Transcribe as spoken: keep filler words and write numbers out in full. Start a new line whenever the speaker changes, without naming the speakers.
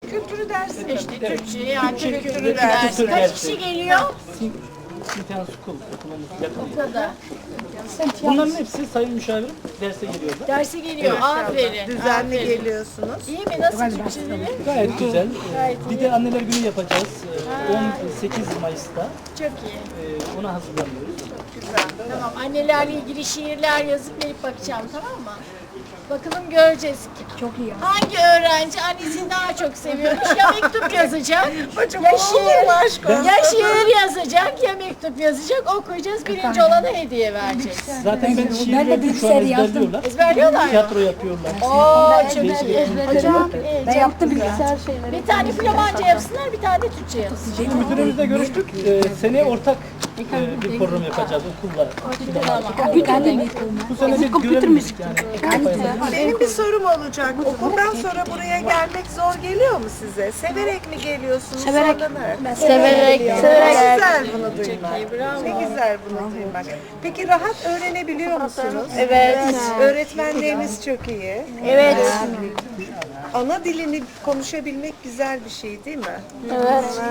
Türk kültürü dersi mi?
İşte Türkçe yani Türk
kültürü
kültürü
dersi.
dersi. Kaç kişi geliyor?
Simten School okulumuz yakın.
O kadar.
Bunların hepsi sayın müşavirim derse geliyorlar.
Derse geliyor. Aferin.
Düzenli
aferin.
geliyorsunuz.
İyi mi? Nasıl Türkçeleri?
Gayet güzel.
Gayet
Ee, Bir de anneler günü yapacağız. Ee, on sekiz Mayıs'ta.
Çok iyi.
Ee, Ona hazırlanıyoruz.
Tamam. Annelerle ilgili şiirler yazıp verip bakacağım, tamam mı? Bakalım göreceğiz. Çok iyi. Hangi öğrenci annesini daha çok seviyormuş? Ya mektup yazacak,
Hocam
ya
olur mu
şiir,
aşk olsun?
ya şiir yazacak, ya mektup yazacak, okuyacağız. Birinci olana hediye vereceğiz.
Zaten ben şiir verdim şu an ezberliyorlar.
Ezberliyorlar mı?
Tiyatro yapıyorlar.
Oo, çok iyi.
Değişik-
Hocam, iyi,
Ben
çok
yaptım
güzel.
bilgisayar şeyleri.
Bir tane Flamanca yapsınlar, bir tane de Türkçe yapsın.
Şimdi müdürümüzle görüştük. Ee, seneye ortak e, bir program yapacağız okulla.
Ben de
Bu sene bir göremedik yani.
Benim bir sorum olacak. Okuldan sonra buraya gelmek zor geliyor mu size? Severek mi geliyorsunuz?
Severek.
Zorlanarak.
Severek,
Ne
severek.
güzel bunu duymak.
iyi, bravo.
Ne güzel bunu duymak. Peki rahat öğrenebiliyor musunuz?
Evet.
Öğretmenleriniz çok iyi.
Evet.
Ana dilini konuşabilmek güzel bir şey değil mi?
Evet.